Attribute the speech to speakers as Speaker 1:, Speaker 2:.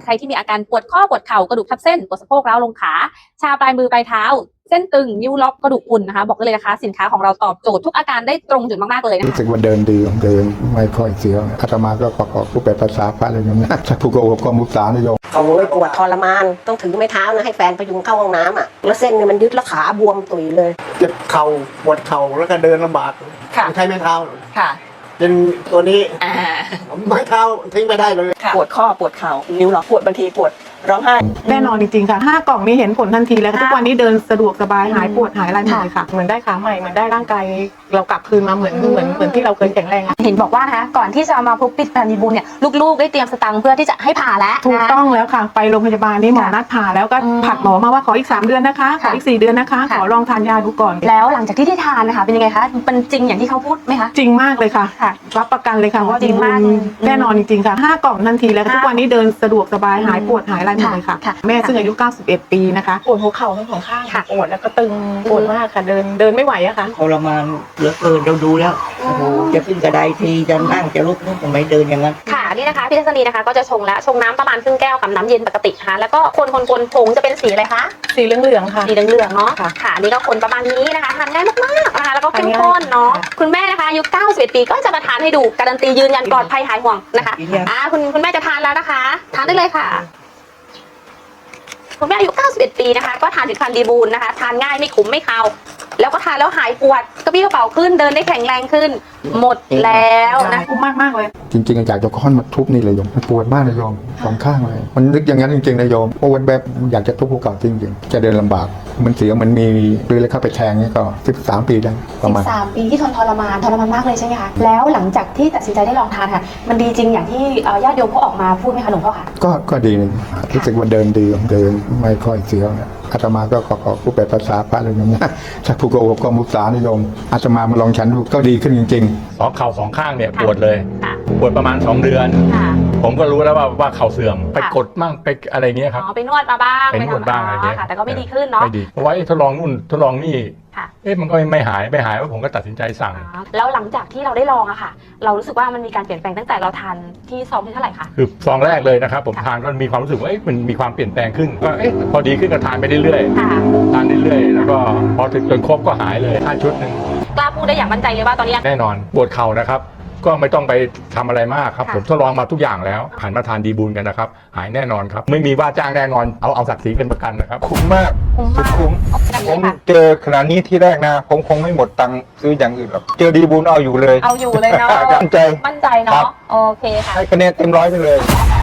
Speaker 1: ใครที่มีอาการปวดข้อปวดเข่ากระดูกทับเส้นปวดสะโพกร้าวลงขาชาปลายมือปลายเท้าเส้นตึงนิ้วล็อกกระดูกอุ่นนะคะบอกได้เลยนะคะสินค้าของเราตอบโจทย์ทุกอาการได้ตรงจุดมากๆเลยนะคะ
Speaker 2: รู้สึกว่าเดินดีเดินไม่ค่อยเสียวอาตมาก็ประกอบรูปแบบภาษาพระอะไรอย่างเงี้ยถ้าผู้กอบก็มุสานิยม
Speaker 3: เขาปวดทรมานต้องถือไม้เท้านะให้แฟนพยุงเข้าห้องน้ำอ่ะแล้วเส้นเนี่ยมันยึดแล้วขาบวมตุยเลย
Speaker 4: เจ็บเข่าปวดเข่าแล้วก็เดินลำบากใช้ไม้เท้า
Speaker 1: ค่ะ
Speaker 4: เป็นตัวนี้ไม้เท้าทิ้งไปได้เลย
Speaker 1: ปวดข้อปวดเข่านิ้วล็อกปวดบางทีปวดร้องไห้
Speaker 5: แน่นอนจริงๆค่ะ5 กล่องนี้เห็นผลทันทีแล้วทุกวันนี้เดินสะดวกสบายหายปวดหายอะไรหมดเลยค่ะเหมือนได้ขาใหม่เหมือนได้ร่างกายเรากลับคืนมาเหมือนที่เราเคยแข็งแรง
Speaker 1: เห็นบอกว่านะคะก่อนที่จะมาพบปิดพันธีบุญเนี่ยลูกๆได้เตรียมสตังค์เพื่อที่จะให้ผ่าแล้ว
Speaker 5: ถูกต้องแล้วค่ะไปโรงพยาบาลนี่หมอนัดผ่าแล้วก็ผัดหมอมาว่าขออีก3 เดือนนะคะขออีก4 เดือนนะคะขอลองทานยาดูก่อน
Speaker 1: แล้วหลังจากที่ได้ทานนะคะเป็นยังไงคะเป็นจริงอย่างที่เขาพูดไหมคะ
Speaker 5: จริงมากเลยค่ะรับประกันเลยค่ะว่าจริงมากแน่นอนจริงๆค่ะ5 กล่องทันทีแล้วทุกวันนี้เดินสะดวกสบายหายปวดหายอะไรหมดเลยค่ะแม่ซึ่งอายุ91 ปีนะคะปวดหัวเข่าทั้ง2 ข้างปวดแล้วก็ตึงปวดมากค่ะเดินไม่ไหวอะค่ะ
Speaker 6: ทรมานเหลือเกินเราดูแล้วโอ้โหจะขึ้นกระไดทีจะนั่งจะลุกทำไมเดินอย่างนั้น
Speaker 1: ค่ะนี่นะคะพี่ทัศนีนะคะก็จะชงน้ำประมาณครึ่งแก้วกับน้ำเย็นปกตินะคะแล้วก็คนผงจะเป็นสีอะไรคะ
Speaker 5: สีเหลืองๆค่ะ
Speaker 1: สีเหลืองๆเนาะค่ะนี่ก็คนประมาณนี้นะคะทานง่ายมากๆนะคะแล้วก็เข้มข้นเนาะคุณแม่นะคะอายุ91 ปีก็จะมาทานให้ดูการันตียืนยันปลอดภัยหายห่วงนะคะคุณแม่จะทานแล้วนะคะทานได้เลยค่ะคุณแม่อายุ91 ปีนะคะก็ทานผลิตภัณฑ์ดีบูลนะคะทานง่ายไม่ขมไม่คาวแล้วก็ทานแล้วหายปวดกระปี้กระเป๋าขึ้นเดินได้แข็งแรงขึ้นหมดแล้วนะ
Speaker 5: คุ้มมากเลย
Speaker 2: จริงๆอยากจะค้อนมาทุบนี่เลยโยมมันปวดมากเลยโยม2 ข้างเลยมันนึกอย่างนั้นจริงๆนะโยมเพราะวันแบบอยากจะทุบภูเขาจริงๆจะเดินลำบากมันเสียมันมีเลยเข้าไปแทงนี่ก็13 ปีได้ประมาณ
Speaker 1: 13 ปีที่ทรมานมากเลยใช่ไหมคะแล้วหลังจากที่ตัดสินใจได้ลองทานค่ะมันดีจริงอย่างที่ญาติโยมเขาออกมาพูดไหมคะหลวงพ่อคะ
Speaker 2: ก็ดีนะรู้สึกว่าเดินดีเดินไม่ค่อยเสียวนะอาตมาก็ประกอบรูปแบบภาษาพระอะไรอย่างเงี้ยถ้าผู้กอบก็มุสานิยมอาตมามาลองฉันดูก็ดีขึ้นจริง
Speaker 7: ๆเข่า2 ข้างเนี่ยปวดเลยปวดประมาณ2 เดือนผมก็รู้แล้วว่าเข่าเสื่อมไปกดมั่งไปอะไรเงี้ยครับ
Speaker 1: ไปนวดมาบ้าง
Speaker 7: ไปนวดบ้างอะไรเงี้ย
Speaker 1: แต่ก็ไม่ดีขึ้นเนาะ
Speaker 7: ไม่ดีเพราะว่าทดลองนู่นทดลองนี่มันก็ไม่หายว่าผมก็ตัดสินใจสั่ง
Speaker 1: แล้วหลังจากที่เราได้ลองอะค่ะเรารู้สึกว่ามันมีการเปลี่ยนแปลงตั้งแต่เราทานที่ซองที่เท่าไหร่คะ
Speaker 7: คือซองแรกเลยนะครับผมทานก็มีความรู้สึกว่ามันมีความเปลี่ยนแปลงขึ้นก็พอดีขึ้นก็ทานไปเรื่อยๆทานเรื่อยๆแล้วก็พอถึงจนครบก็หายเลย5 ชุดนึง
Speaker 1: กล้าพูดได้อย่างมั่นใจเลยว่าตอนนี้
Speaker 7: แน่นอนปวดเข่านะครับก็ไม่ต้องไปทำอะไรมากครับผมทดลองมาทุกอย่างแล้วหันมาทานดีบูลกันนะครับหายแน่นอนครับไม่มีว่าจ้างแน่นอนเอาศักดิ์ศรีเป็นประกันนะครับ
Speaker 8: คุ้มมากคุ้มผมเจอขนาดนี้ที่แรกนะผมคงไม่หมดตังค์ซื้ออย่างอื่นหรอกเจอดีบูลเอาอยู่เลย
Speaker 1: เนาะ
Speaker 8: มั่นใจ
Speaker 1: เนาะโอเคค่ะ
Speaker 8: ให้คะแนนเต็ม100ไปเลย